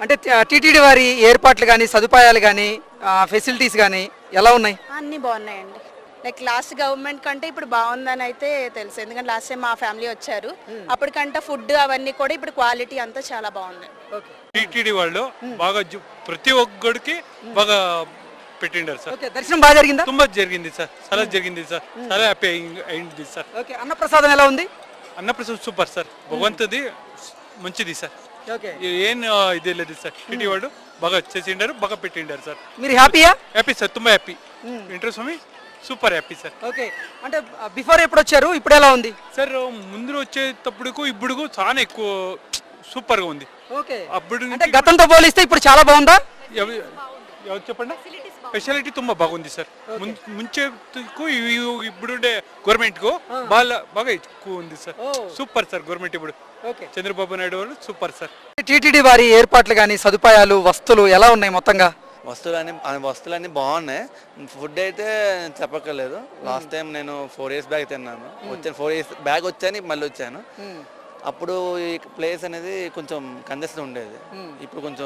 అంటే టీటీడీ వారి ఏర్పాట్లు కానీ సదుపాయాలు కానీ ఫెసిలిటీస్ కానీ ఎలా ఉన్నాయి? అన్నీ బాగున్నాయండి. లైక్ లాస్ట్ గవర్నమెంట్ కంటే ఇప్పుడు బాగుందని అయితే తెలుసు, ఎందుకంటే లాస్ట్ టైం మా ఫ్యామిలీ వచ్చారు, అప్పటికంటే ఫుడ్ అవన్నీ కూడా ఇప్పుడు క్వాలిటీ అంతా చాలా బాగుంది. టీటీడీ వాళ్ళు బాగా ప్రతి ఒక్కడికి బాగా పెట్టిండారు సార్. దర్శనం బాగా జరిగిందా? ತುಂಬಾ జరిగింది సార్, చాలా జరిగింది సార్, చాలా హ్యాపీ అయింది సార్. అన్నప్రసాదం ఎలా ఉంది? అన్నప్రసాదం సూపర్ సార్, భగవంతుది మంచిది సార్, ఏం ఇదే లేదు సార్. టీటీ వాళ్ళు బాగా చేసిండారు, బాగా పెట్టిండారు సార్. మీరు హ్యాపీయా? హ్యాపీ సార్, ತುಂಬಾ happy. Venkateswara Swamy super happy sir. Okay, అంటే బిఫోర్ ఎప్పుడు వచ్చారు, ఇప్పుడు ఎలా ఉంది సార్? ముందు వచ్చేటప్పుడు ఇప్పుడు చాలా ఎక్కువ సూపర్ గా ఉంది. ఓకే, అప్పుడు అంటే గతంతో పోలిస్తే ఇప్పుడు చాలా బాగుందా? ఎవరు చెప్పండి? స్పెషాలిటీ ತುಂಬಾ బాగుంది సార్. ముంచేకు ఇప్పుడుండే గవర్నమెంట్ కు బాగా ఎక్కువ ఉంది సార్. సూపర్ సార్ గవర్నమెంట్ ఇప్పుడు చంద్రబాబు నాయుడు వాళ్ళు సూపర్ సార్. టీటీడీ వారి ఏర్పాట్లు కానీ సదుపాయాలు వస్తువులు ఎలా ఉన్నాయి మొత్తంగా? వస్తువులన్నీ బాగున్నాయి. ఫుడ్ అయితే చెప్పక్కర్లేదు. లాస్ట్ టైం నేను 4 years బ్యాక్ తిన్నాను. 4 years బ్యాక్ వచ్చాను, మళ్ళీ వచ్చాను. అప్పుడు ఈ ప్లేస్ అనేది కొంచెం కంజెస్టెడ్ ఉండేది, ఇప్పుడు కొంచెం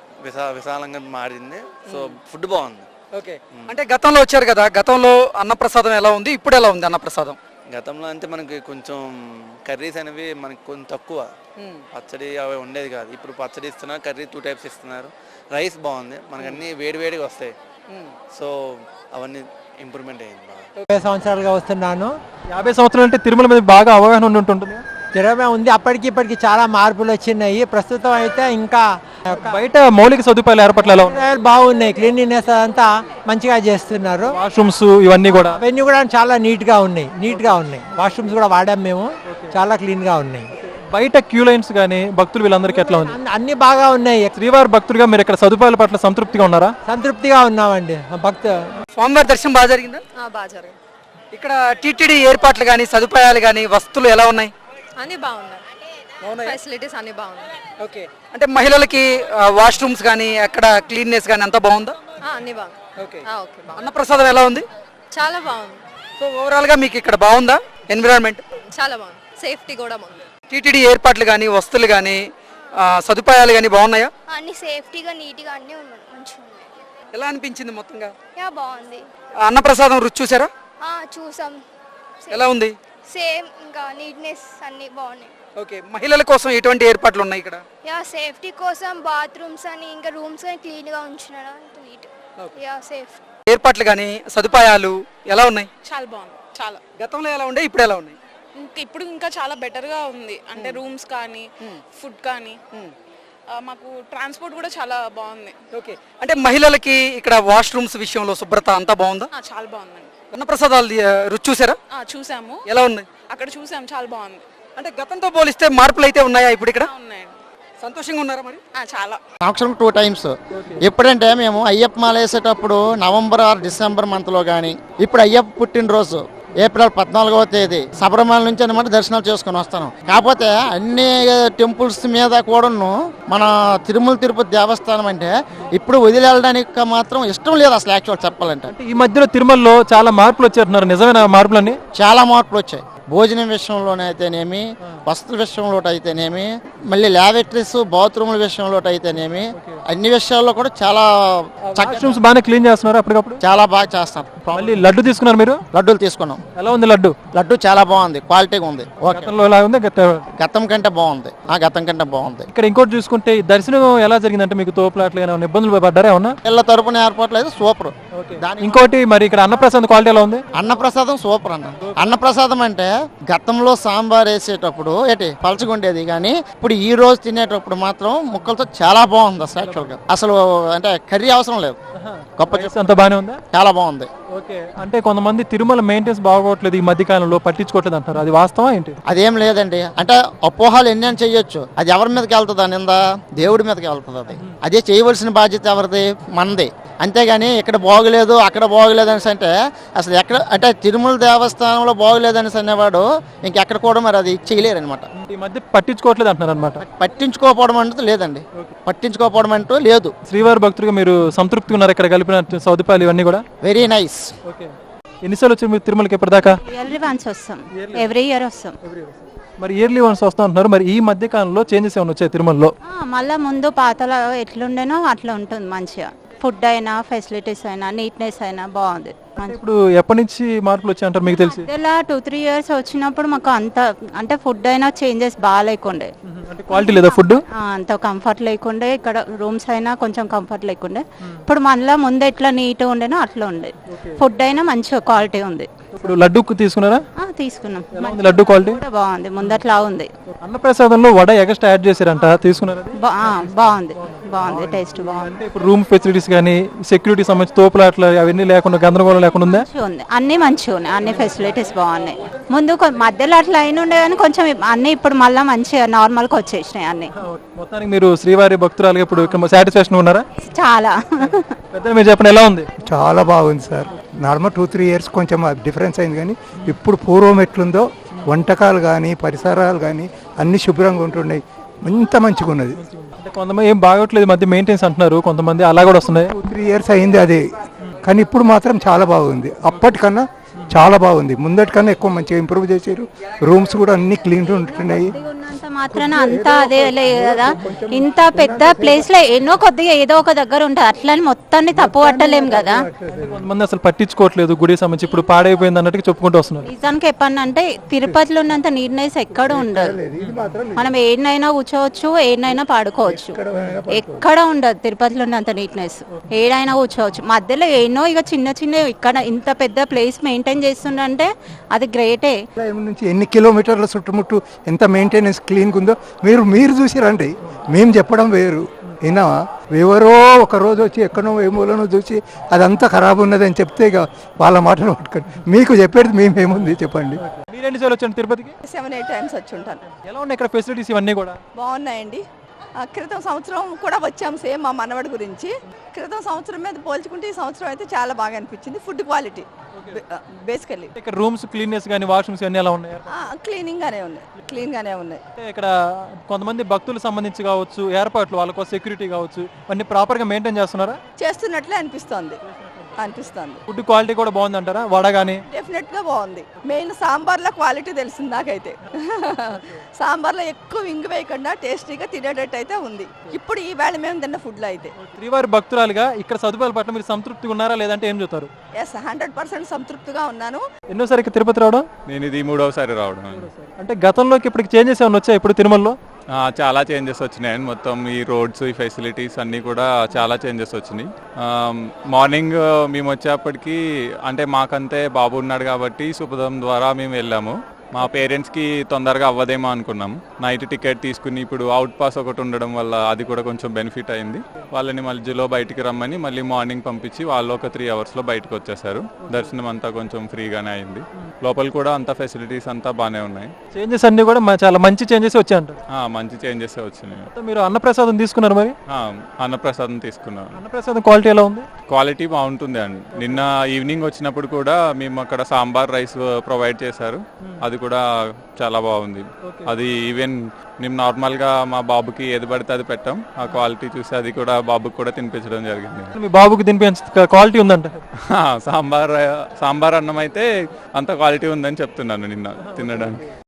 విశాలంగా మారింది. సో ఫుడ్ బాగుంది. ఓకే, అంటే గతంలో వచ్చారు కదా, గతంలో అన్నప్రసాదం ఎలా ఉంది, ఇప్పుడు ఎలా ఉంది అన్నప్రసాదం? గతంలో అంటే మనకి కొంచెం కర్రీస్ అనేవి మనకి కొంచెం తక్కువ, పచ్చడి అవి ఉండేది కాదు. ఇప్పుడు పచ్చడి ఇస్తున్నారు, కర్రీ 2 types ఇస్తున్నారు. రైస్ బాగుంది, మనకు అన్ని వేడివేడిగా వస్తాయి. సో అవన్నీ ఇంప్రూవ్మెంట్ అయ్యింది. 50 సంవత్సరాలుగా వస్తున్నాను. 50 సంవత్సరాలు అంటే తిరుమల మీద బాగా అవగాహన ఉంటుంది. తిరుమల ఉంది, అప్పటికి ఇప్పటికి చాలా మార్పులు వచ్చినాయి. ప్రస్తుతం అయితే ఇంకా బయట మౌలిక సదుపాయాలు ఏర్పాట్లు బాగున్నాయి. క్లీన్లీనెస్ అంతా మంచిగా చేస్తున్నారు. వాష్రూమ్స్ ఇవన్నీ కూడా చాలా నీట్ గా ఉన్నాయి. వాష్రూమ్స్ కూడా వాడాం మేము, చాలా క్లీన్ గా ఉన్నాయి. బయట క్యూ లైన్స్ గానీ భక్తులు వీళ్ళందరికీ ఎట్లా ఉంది? అన్ని బాగా ఉన్నాయి. శ్రీవారి భక్తుడిగా మీరు ఇక్కడ సదుపాయాల పట్ల సంతృప్తిగా ఉన్నారా? సంతృప్తిగా ఉన్నామండి. స్వామివారి దర్శనం బాగా జరిగిందా? బాగా జరిగింది. ఇక్కడ టీటీడీ ఏర్పాట్లు కానీ సదుపాయాలు కానీ వస్తువులు ఎలా ఉన్నాయి? అన్ని బాగున్నాయి, ఫెసిలిటీస్ అన్ని బాగున్నాయి. ఓకే, అంటే మహిళలకి వాష్రూమ్స్ కానీ అక్కడ క్లీన్నెస్ కానీ అంతా బాగుందా? అన్ని బాగుంది. ఓకే, అన్నప్రసాదం ఎలా ఉంది? చాలా బాగుంది. సో ఓవరాల్ గా మీకు ఇక్కడ బాగుందా ఎన్విరాన్మెంట్? చాలా బాగుంది, సేఫ్టీ కూడా బాగుంది. టీటీడీ ఏర్పాట్లు కానీ వస్తువులు కానీ సదుపాయాలు కానీ బాగున్నాయా? అన్ని సేఫ్టీగా నీట్గా అన్నీ ఉన్నాయి, మంచిగా ఉన్నాయి. ఎలా అనిపించింది మొత్తంగా? బాగుంది. అన్నప్రసాదం రుచి చూసారా? చూసాం. ఎలా ఉంది? సేమ్, ఇంకా నీట్నెస్ అన్ని బాగున్నాయి. ఓకే, మహిళల కోసం ఎటువంటి ఏర్పాట్లు ఉన్నాయి ఇక్కడ? సేఫ్టీ కోసం బాత్రూమ్స్ అని ఇంకా రూమ్స్ అని క్లీన్ గా ఉంచున్నాడు, నీట్. సేఫ్ ఏర్పాట్లు కానీ సదుపాయాలు ఎలా ఉన్నాయి? చాలా బాగుంది. చాలా గతంలో ఎలా ఉండే, ఇప్పుడు ఎలా ఉన్నాయి? ఇప్పుడు ఇంకా చాలా బెటర్ గా ఉంది. అంటే రూమ్స్ కానీ ఫుడ్ కానీ మాకు ట్రాన్స్పోర్ట్ కూడా చాలా బాగుంది. ఓకే, అంటే మహిళలకి ఇక్కడ వాష్రూమ్స్ విషయంలో శుభ్రత అంతా బాగుందా? చాలా బాగుందండి. అన్నప్రసాదాలు రుచి చూసారా? చూసాము. ఎలా ఉంది? అక్కడ చూసాము, చాలా బాగుంది. అంటే గతంతో పోలిస్తే మార్పులు అయితే ఉన్నాయా ఇప్పుడు ఇక్కడ? ఉన్నాయండి. సంతోషంగా ఉన్నారా మరి? చాలా. సంవత్సరం 2 times. ఎప్పుడంటే మేము అయ్యప్ప మాల వేసేటప్పుడు నవంబర్ ఆర్ డిసెంబర్ మంత్లో కానీ, ఇప్పుడు అయ్యప్ప పుట్టినరోజు ఏప్రిల్ 14వ తేదీ శబరిమల నుంచి అనమాట దర్శనాలు చేసుకుని వస్తాను. కాకపోతే అన్ని టెంపుల్స్ మీద కూడాను మన తిరుమల తిరుపతి దేవస్థానం అంటే ఇప్పుడు వదిలేయడానికి మాత్రం ఇష్టం లేదు అసలు. యాక్చువల్ చెప్పాలంటే ఈ మధ్యలో తిరుమలలో చాలా మార్పులు వచ్చేస్తున్నారు, నిజమైన మార్పులన్నీ? చాలా మార్పులు వచ్చాయి. భోజనం విషయంలోనే అయితేనేమి, వస్తువుల విషయంలో అయితేనేమి, మళ్ళీ ల్యాబొరేటరీస్ బాత్రూముల విషయంలో అయితేనేమి, అన్ని విషయాల్లో కూడా చాలా వాష్రూమ్స్ బాగానే క్లీన్ చేస్తున్నారు అప్పటికప్పుడు? చాలా బాగా చేస్తారు. మళ్ళీ లడ్డు తీసుకున్నారు మీరు? లడ్డూలు తీసుకున్నాం. ఎలా ఉంది లడ్డు? లడ్డు చాలా బాగుంది, క్వాలిటీగా ఉంది. గతం కంటే బాగుంది. గతం కంటే బాగుంది. ఇక్కడ ఇంకోటి చూసుకుంటే దర్శనం ఎలా జరిగిందంటే మీకు తోపులాట్లు ఏమైనా ఇబ్బందులు పడ్డారా? ఏమన్నా పిల్లల తరపున ఏర్పాట్లు అయితే సూపర్. ఇంకోటి మరి ఇక్కడ అన్నప్రసాదం క్వాలిటీ ఎలా ఉంది? అన్నప్రసాదం సూపర్ అన్న. అన్నప్రసాదం అంటే గతంలో సాంబార్ వేసేటప్పుడు పలచగుండేది, కానీ ఇప్పుడు ఈ రోజు తినేటప్పుడు మాత్రం ముక్కలతో చాలా బాగుంది అసలు. యాక్చువల్ గా అసలు అంటే కర్రీ అవసరం లేదు. గొప్ప అంత బాగానే ఉందా? చాలా బాగుంది. ఓకే, అంటే కొంతమంది తిరుమల మెయింటెన్స్ బాగోట్లేదు ఈ మధ్య కాలంలో, పట్టించుకోవట్లేదు అంటారు, అది వాస్తవం ఏంటి? అదేం లేదండి. అంటే అపోహాలు ఎన్ని అని చెయ్యొచ్చు, అది ఎవరి మీదకి వెళ్తుంది నింద? దేవుడి మీదకి వెళ్తుంది. అదే చేయవలసిన బాధ్యత ఎవరిది? మనది. అంతేగాని ఇక్కడ బాగోలేదు అక్కడ బాగోలేదు అనేసి అంటే అసలు ఎక్కడ అంటే తిరుమల దేవస్థానంలో బాగోలేదు అనేసి అనేవాడు ఇంకెక్కడ కూడా మరి అది చేయలేరు అనమాట. ఈ మధ్య పట్టించుకోవట్లేదు అంటున్నారు అనమాట. పట్టించుకోకపోవడం అంటూ లేదండి, పట్టించుకోకపోవడం అంటూ లేదు. శ్రీవారి భక్తులుగా మీరు సంతృప్తిగా ఉన్నారు ఇక్కడ కలిపిన సదుపాయాలు ఇవన్నీ కూడా? Very nice. ఓకే, ఎన్నిసార్లు వచ్చారు మీరు తిరుమలకి ఇప్పటిదాకా? ఎవ్రీ వన్స్ వస్తాం, ఎవ్రీ ఇయర్ వస్తాం. మరి ఇయర్లీ వన్స్ వస్తా అంటున్నారు, మరి ఈ మధ్య కాలంలో చేంజెస్ ఏమైనా వచ్చాయి తిరుమలలో? మళ్ళీ ముందు పాతలో ఎట్లుండేనో అట్లా ఉంటుంది మంచిగా. ఫుడ్ అయినా ఫెసిలిటీస్ అయినా నీట్నెస్ అయినా బాగుంది. ఇప్పుడు ఎప్పటి నుంచి మార్పులు వచ్చాయి అంటారు మీకు తెలిసి? ఇలా 2-3 years వచ్చినప్పుడు మాకు అంత అంటే ఫుడ్ అయినా చేంజెస్ బాగా లేకుండే, అంటే క్వాలిటీ లేదా ఫుడ్? అంత కంఫర్ట్ లేకుండే. ఇక్కడ రూమ్స్ అయినా కొంచెం కంఫర్ట్ లేకుండే. ఇప్పుడు మళ్ళీ ముందు ఎట్లా నీట్గా ఉండేనో అట్లా ఉండే. ఫుడ్ అయినా మంచిగా క్వాలిటీ ఉంది. ఇప్పుడు లడ్డు తీసుకున్నారా? తీసుకున్నాం. ఎలా ఉంది లడ్డు క్వాలిటీ? కూడా బాగుంది, ముందట్లా ఉంది. అన్నప్రసాదంలో వడ ఎక్స్ట్రా యాడ్ చేశారంట, తీసుకున్నారా? బాగుంది, బాగుంది, టేస్ట్ బాగుంది. అంటే ఇప్పుడు రూమ్ ఫెసిలిటీస్ కానీ సెక్యూరిటీ సంబంధించి తోపులాట్లు అవన్నీ లేకుండా గందరగోళం లేకుండా ఉందా? మంచిగా ఉంది, అన్ని మంచిగా ఉన్నాయి, అన్ని ఫెసిలిటీస్ బాగున్నాయి. ముందు మధ్యలో అట్లా అయిన ఉండే కానీ కొంచెం అన్ని ఇప్పుడు మళ్ళీ మంచిగా నార్మల్గా వచ్చేసినాయి అన్ని. మొత్తానికి మీరు శ్రీవారి భక్తురాలుగా ఇప్పుడు సాటిస్ఫాక్షన్ ఉన్నారా? చాలా. పెద్దలు మీరు చెప్పండి, ఎలా ఉంది? చాలా బాగుంది సార్. నార్మల్ 2-3 years కొంచెం డిఫరెన్స్ అయింది, కానీ ఇప్పుడు పూర్వం ఎట్లుందో వంటకాలు కానీ పరిసరాలు కానీ అన్ని శుభ్రంగా ఉంటున్నాయి. ఇంత మంచిగా ఉన్నది. అంటే కొంతమంది ఏం బాగోట్లేదు మధ్య మెయింటెన్స్ అంటున్నారు, కొంతమంది అలా కూడా వస్తున్నాయి. 2-3 years అయింది అదే, కానీ ఇప్పుడు మాత్రం చాలా బాగుంది. అప్పటికన్నా చాలా బాగుంది. ముందటికన్నా ఎక్కువ మంచిగా ఇంప్రూవ్ చేశారు. రూమ్స్ కూడా అన్ని క్లీన్ ఉంటున్నాయి. ఉన్నంత మాత్రాన అంతా అదే లేదు కదా. ఇంత పెద్ద ప్లేస్ లో ఎన్నో కొద్దిగా ఏదో ఒక దగ్గర ఉంటుంది, అట్లని మొత్తాన్ని తప్పు పట్టలేం కదా. కొంతమంది అసలు పట్టించుకోవట్లేదు గుడి సంబంధించి, ఇప్పుడు పాడైపోయింది అన్నట్టు చెప్పుకుంటూ వస్తున్నారు. నిజానికి చెప్పానంటే తిరుపతిలో ఉన్నంత నీట్నెస్ ఎక్కడ ఉండదు. మనం ఏడనైనా కూర్చోవచ్చు, ఏడనైనా పాడుకోవచ్చు, ఎక్కడ ఉండదు తిరుపతిలో ఉన్నంత నీట్నెస్. ఏడైనా కూర్చోవచ్చు, మధ్యలో ఎన్నో ఇక చిన్న చిన్న ఇక్కడ ఇంత పెద్ద ప్లేస్ మెయింటైన్ చేస్తుండే అది గ్రేటే. నుంచి ఎన్ని కిలోమీటర్ల చుట్టుముట్టు ఎంత మెయింటెనెన్స్ క్లీన్గా ఉందో మీరు చూసిరండి. మేము చెప్పడం వేరు, అయినా ఎవరో ఒక రోజు వచ్చి ఎక్కడో ఏమోలోనో చూసి అదంతా ఖరాబ్ ఉన్నదని చెప్తే ఇక వాళ్ళ మాటలు పట్టుకొని మీకు చెప్పేది మేమేముంది చెప్పండి. మీరు ఎన్నిసార్లు వచ్చాను తిరుపతికి? 7-8 times వచ్చి ఉంటాను. ఎలా ఉన్నాయి ఇక్కడ ఫెసిలిటీస్ ఇవన్నీ కూడా? బాగున్నాయండి. క్రితం సంవత్సరం కూడా వచ్చాం సేమ్ మా మనవడి గురించి. క్రితం సంవత్సరం మీద పోల్చుకుంటే ఈ సంవత్సరం అయితే చాలా బాగా అనిపించింది. Food quality basically. ఇక్కడ రూమ్స్ క్లీన్నెస్ కానీ వాష్రూమ్స్ అన్నీ ఎలా ఉన్నాయి? క్లీన్ గానే ఉన్నాయి. అంటే ఇక్కడ కొంతమంది భక్తులకు సంబంధించి కావచ్చు, ఏర్పాట్లు వాళ్ళకు సెక్యూరిటీ కావచ్చు, అన్ని ప్రాపర్ గా మెయింటైన్ చేస్తున్నారా? చేస్తున్నట్లే అనిపిస్తుంది. ఫుడ్ క్వాలిటీ కూడా బాగుంది అంటారా? వడ కానీ డెఫినెట్ గా బాగుంది. మెయిన్ సాంబార్లో క్వాలిటీ తెలిసింది నాకైతే. సాంబార్లో ఎక్కువ ఇంగు వేయకుండా టేస్టీగా తినేటట్టు అయితే ఉంది ఇప్పుడు ఈ వేళ మేము తిన్న ఫుడ్ లో అయితే. శ్రీవారి భక్తురాలుగా ఇక్కడ సదుపాయాల పట్ల మీరు సంతృప్తిగా ఉన్నారా లేదంటే ఏం చెప్తారు? 100% సంతృప్తిగా ఉన్నాను. ఎన్నోసారి తిరుపతి రావడం? నేను ఇది 3వసారి రావడం. అంటే గతంలోకి ఇప్పటికి చేంజెస్ ఏమైనా వచ్చాయి ఇప్పుడు తిరుమలలో? చాలా చేంజెస్ వచ్చినాయి. మొత్తం ఈ రోడ్స్, ఈ ఫెసిలిటీస్ అన్నీ కూడా చాలా చేంజెస్ వచ్చినాయి. మార్నింగ్ మేము వచ్చేప్పటికి అంటే మాకంతే బాబు ఉన్నాడు కాబట్టి సుపదం ద్వారా మేము వెళ్ళాము. మా పేరెంట్స్కి తొందరగా అవ్వదేమో అనుకున్నాం. నైట్ టికెట్ తీసుకుని ఇప్పుడు అవుట్ పాస్ ఒకటి ఉండడం వల్ల అది కూడా కొంచెం బెనిఫిట్ అయింది. వాళ్ళని మధ్యలో బయటికి రమ్మని మళ్ళీ మార్నింగ్ పంపించి వాళ్ళు ఒక 3 hours బయటకు వచ్చేసారు. దర్శనం అంతా కొంచెం ఫ్రీగానే అయింది. లోపల కూడా అంతా ఫెసిలిటీస్ అంతా బాగానే ఉన్నాయి. చేంజెస్ అన్ని కూడా చాలా మంచి చేంజెస్ వచ్చాయంట. మంచి చేంజెస్ వచ్చినాయి. మీరు అన్నప్రసాదం తీసుకున్నారు మరి? అన్నప్రసాదం తీసుకున్నాం. అన్నప్రసాదం క్వాలిటీ ఎలా ఉంది? క్వాలిటీ బాగుంటుంది అండి. నిన్న ఈవినింగ్ వచ్చినప్పుడు కూడా మేము అక్కడ సాంబార్ రైస్ ప్రొవైడ్ చేశారు. అది కూడా చాలా బాగుంది. అది ఈవెన్ మేము నార్మల్గా మా బాబుకి ఏది పడితే అది పెట్టాం. ఆ క్వాలిటీ చూసి అది కూడా బాబుకి కూడా తినిపించడం జరిగింది. మీ బాబుకి తినిపించే క్వాలిటీ ఉందంట? సాంబార్ అన్నం అయితే అంత క్వాలిటీ ఉందని చెప్తున్నాను నిన్న తినడానికి.